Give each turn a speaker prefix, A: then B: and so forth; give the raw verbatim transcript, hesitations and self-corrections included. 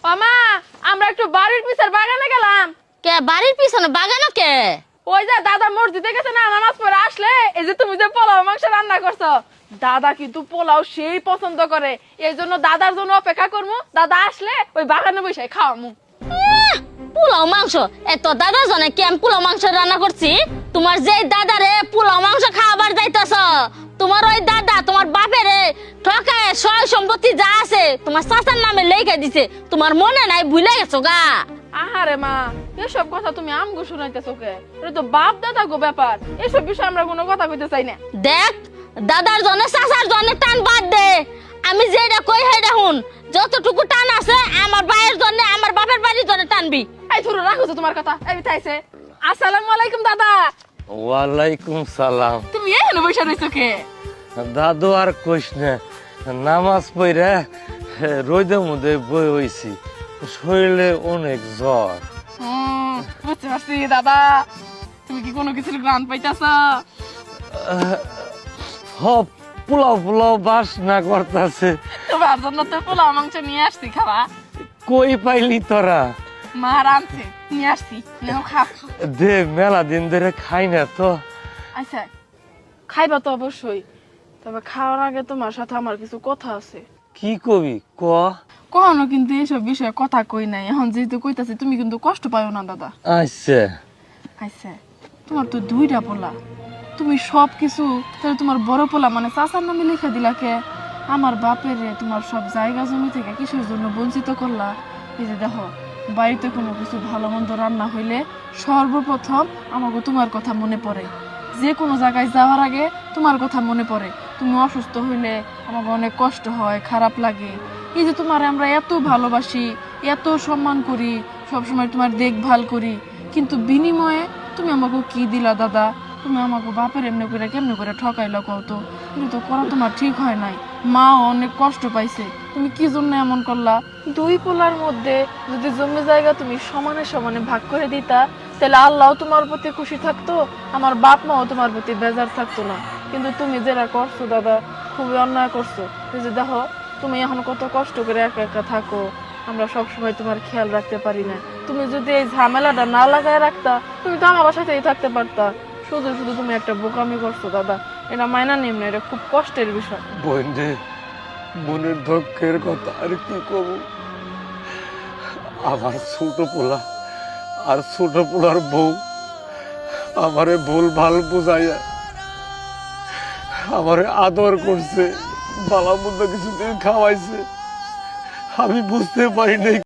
A: মামা আমরা একটু বাড়ির পিছের বাগানে গেলাম।
B: কে বাড়ির পিছনে বাগানো কে?
A: ওই যে দাদা মসজিদে গেছে না, নামাজ পড়ে আসলে এই যে তুমি যে পোলাও মাংস রান্না করছো, দাদা কিন্তু পোলাও সেই পছন্দ করে, এই জন্য দাদার জন্য অপেক্ষা করবো। দাদা আসলে ওই বাগানে বসে খাওয়ামু।
B: আহ, পোলাও মাংস এত দাদা জনে কি আমি পোলাও মাংস রান্না করছি? তোমার যে দাদারে পোলাও মাংস খাওয়াবার যাইতাছ, তোমার ওই দাদা তোমার বাপেরে ঠকায় সয় সম্পত্তি যা আছে তোমার চাচার নামে লেখা দিছে, তোমার মনে নাই, ভুলে গেছো গা?
A: আহারে মা, এসব কথা তুমি আমগো শুনাইতেছো কে? এটা তো বাপ দাদা গো ব্যাপার, এসব বিষয়ে আমরা কোনো কথা কইতে চাই না।
B: দেখ, দাদার জন্য চাচার জন্য টান বাদ দে। আমি যেটা কই হেডা হুন, যতটুকু টান আছে আমার ভাইয়ের জন্য আমার বাপের বাড়ির জন্য টানবি।
A: এই ধরো রাখো তো তোমার কথা। এই তাইছে আসসালামু আলাইকুম দাদা।
C: ওয়ালাইকুম সালাম।
A: তুমি এখানে বসে রইছো কে?
C: দাদু আর কইস না, নামাজ পড়ে রোদের মধ্যে বই হইছি, শরীরে অনেক জ্বর।
A: হুম, বুঝতে পারছি দাদা, তুমি কি কোনো কিছুর গ্রান পাইতাছ?
C: হপ পোলাও পোলাও বাস না করতেছে।
A: তোমার জন্য তো পোলাও মাংস নিয়ে আসছি, খাবা?
C: কই পাইলি তোরা?
A: মা রাঁধছে, নিয়ে আসছি, নাও খা।
C: দে, মেলা দিন ধরে খাই না তো।
A: আচ্ছা, খাইবা তো অবশ্যই, তবে খাওয়ার আগে তোমার সাথে আমার কিছু কথা আছে।
C: কি কবি ক?
A: কখনো কিন্তু এসব বিষয়ে কথা কই নাই, এখন যেহেতু কইতাছি তুমি কিন্তু কষ্ট পাইও না দাদা।
C: আচ্ছা
A: আচ্ছা, তোমার তো দুইটা পোলা, তুমি সব কিছু তাহলে তোমার বড় পোলা মানে চাচার নামে লিখে দিলা কে? আমার বাপের তোমার সব জায়গা জমি থেকে কিসের জন্য বঞ্চিত করলা? এই যে দেখো, বাড়িতে কোনো কিছু ভালো মন্দ রান্না হইলে সর্বপ্রথম আমাকে তোমার কথা মনে পড়ে, যে কোনো জায়গায় যাওয়ার আগে তোমার কথা মনে পড়ে। তুমি অসুস্থ হইলে আমাকে অনেক কষ্ট হয়, খারাপ লাগে। এই যে তোমার আমরা এত ভালোবাসি, এত সম্মান করি, সবসময় তোমার দেখভাল করি, কিন্তু বিনিময়ে তুমি আমাকে কি দিলা দাদা? তুমি আমাকে বাপের এমনি করে কেমনি করে ঠকাইলা কত? কিন্তু তো করা তোমার ঠিক হয় নাই, মাও অনেক কষ্ট পাইছে। তুমি কি জন্য এমন করলা? দুই পোলার মধ্যে যদি জমি জায়গা তুমি সমানে সমানে ভাগ করে দিতা, তাহলে আল্লাহ তোমার প্রতি খুশি থাকতো, আমার বাপ মাও তোমার প্রতি বেজার থাকতো না। কিন্তু তুমি যেটা করছো দাদা, খুবই অন্যায় করছো। এই যে দেখো, তুমি এখন কত কষ্ট করে একা একা থাকো, আমরা সবসময় তোমার খেয়াল রাখতে পারি না। তুমি যদি এই ঝামেলাটা না লাগায় রাখতা, তুমি তো আমার সাথেই থাকতে পারতা। শুধু শুধু তুমি একটা বোকামি করছো দাদা, এটা মাইনা নিম না, এটা খুব কষ্টের বিষয়।
C: বোন রে, বোনের দুঃখের কথা আর কি কব? আমার ছোট পোলা আর ছোট পোলার বউ আমারে ভুল ভাল বুঝাইয়া আমারে আদর করছে, বালা মন্দ কিছুদিন খাওয়াইছে, আমি বুঝতে পারি নাই